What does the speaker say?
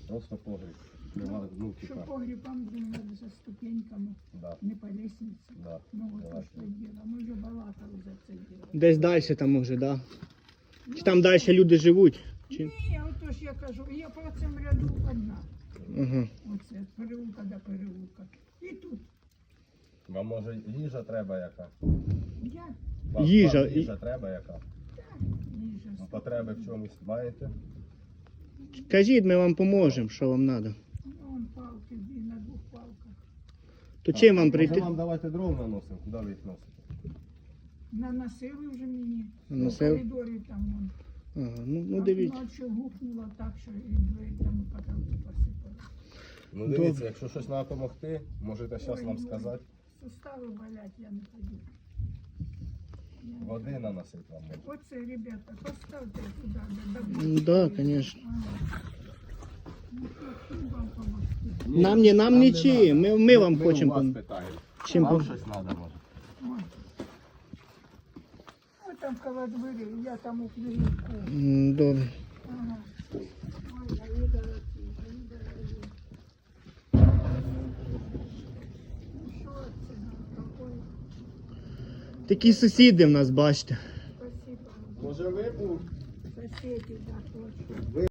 Просто погріб. Нема, ну, Що типа, погрібам треба за ступеньками, да, не по лестниці. да. Ну, ото ж це діло. Ми вже балакали за це діло. Десь далі там може, да? Чи там далі люди живуть? Чи... Ні, ото ж я кажу, я по цьому ряду одна. Ага. Оце, від переулка до переулка. І тут Вам може їжа треба яка? я, Вам їжа треба яка? їжа. Потреби в чомусь маєте? Кажіть, ми вам поможемо, що вам треба. Ну, вон палки, дві на двох палках. То чим вам Може прийти? вам давайте дров наносимо, куди ви їх носите? Наносили вже мені. Наносив? У коридорі там вон. Ага, ну дивіться. Ночі гукнуло так, що і двері там і потолки посипали. Ну дивіться, якщо щось треба допомогти, можете зараз нам сказати. Сустави болять, я не ходю. Води наносити вам можна. Оце, ребята, поставте туди. Да, звісно. Ну, чим вам помогти? Нам нічим, ми вам хочемо вас пом- питаємо. чим Вам пом- щось треба може? Ой. Ой, там коло двері, я там у книжку. Добре. Ага. Ой, а ви дорогі, ви дорогі. Ну, що це нам такое? Такі сусіди в нас, бачите. Спасибо. Може ви був? Соседи, да, точно.